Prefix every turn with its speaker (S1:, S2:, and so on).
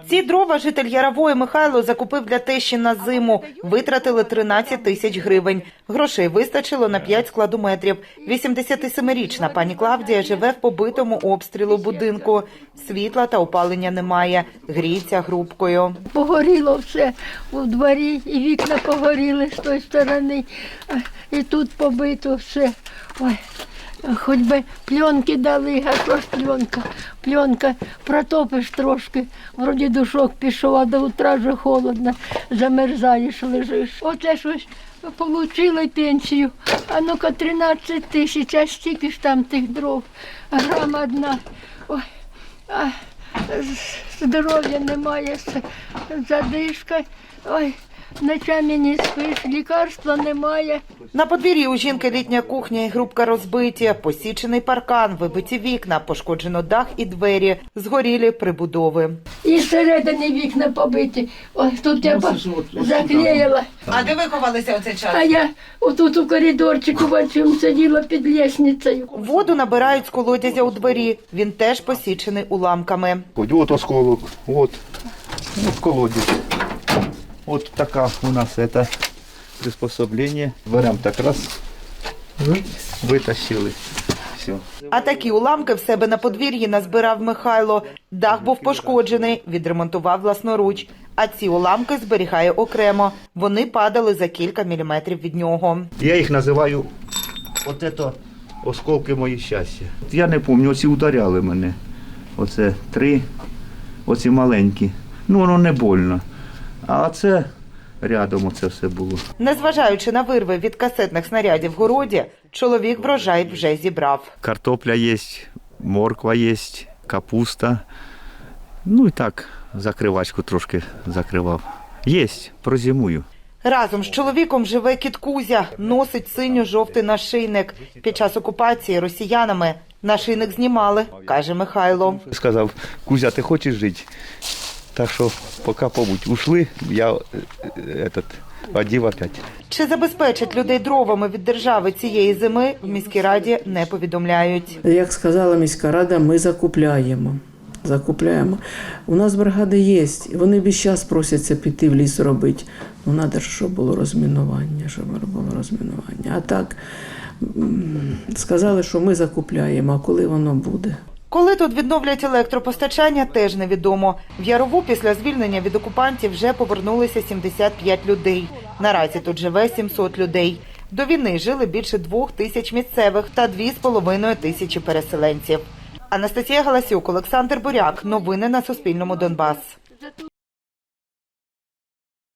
S1: Ці дрова житель Ярової Михайло закупив для тещі на зиму. Витратили 13 тисяч гривень. Грошей вистачило на 5 складометрів. 87-річна пані Клавдія живе в побитому обстрілу будинку. Світла та опалення немає. Гріється грубкою.
S2: Погоріло все у дворі, і вікна погоріли з тої сторони, і тут побито все. Ой. Хоч би пленки дали, а що ж пленка? Пленка, протопиш трошки, вроді душок пішов, а до утра вже холодно, замерзаєш, лежиш. Оце щось отримали пенсію, а ну-ка 13 тисяч, а стільки ж там тих дров, грам одна. Ой, а здоров'я немає, задишка, ой. Ночами не спиш, лікарства немає.
S1: На подвір'ї у жінки літня кухня і грубка розбиті, посічений паркан, вибиті вікна, пошкоджено дах і двері, згорілі прибудови.
S2: І зсередини вікна побиті. Ось тут я заклеїла.
S1: А де ви ховалися у цей час?
S2: А я отут у коридорчику бачу, сиділа під лестницею.
S1: Воду набирають з колодязя у дворі. Він теж посічений уламками.
S3: Вот осколок, вот колодец. Вот такая у нас это приспособление. Берем так раз, вытащили. Все.
S1: А такі уламки в себе на подвір'ї назбирав Михайло. Дах був пошкоджений, відремонтував власноруч. А ці уламки зберігає окремо. Вони падали за кілька міліметрів від нього.
S3: Я їх називаю от это осколки мої щастя. Я не пам'ятаю, оці ударяли мене. Оце 3, оці маленькі. Ну воно не больно. А це рядом оце все було.
S1: Незважаючи на вирви від касетних снарядів в городі, чоловік врожай вже зібрав.
S3: Картопля є, морква є, капуста. Ну і так, закривачку трошки закривав. Є, прозимую.
S1: Разом з чоловіком живе кіт Кузя, носить синьо-жовтий нашийник. Під час окупації росіянами нашийник знімали, каже Михайло.
S3: Сказав: Кузя, ти хочеш жити? Так що поки побудь. Ушли, я одів опять.
S1: Чи забезпечать людей дровами від держави цієї зими, в міській раді не повідомляють.
S4: Як сказала міська рада, ми закупляємо. У нас бригади є, вони весь час просяться піти в ліс робити. Ну, треба, щоб було розмінування, А так, сказали, що ми закупляємо, а коли воно буде?
S1: Коли тут відновлять електропостачання, теж невідомо. В Ярову після звільнення від окупантів вже повернулися 75 людей. Наразі тут живе 700 людей. До війни жили більше 2000 місцевих та 2500 переселенців. Анастасія Галасюк, Олександр Буряк. Новини на Суспільному. Донбас.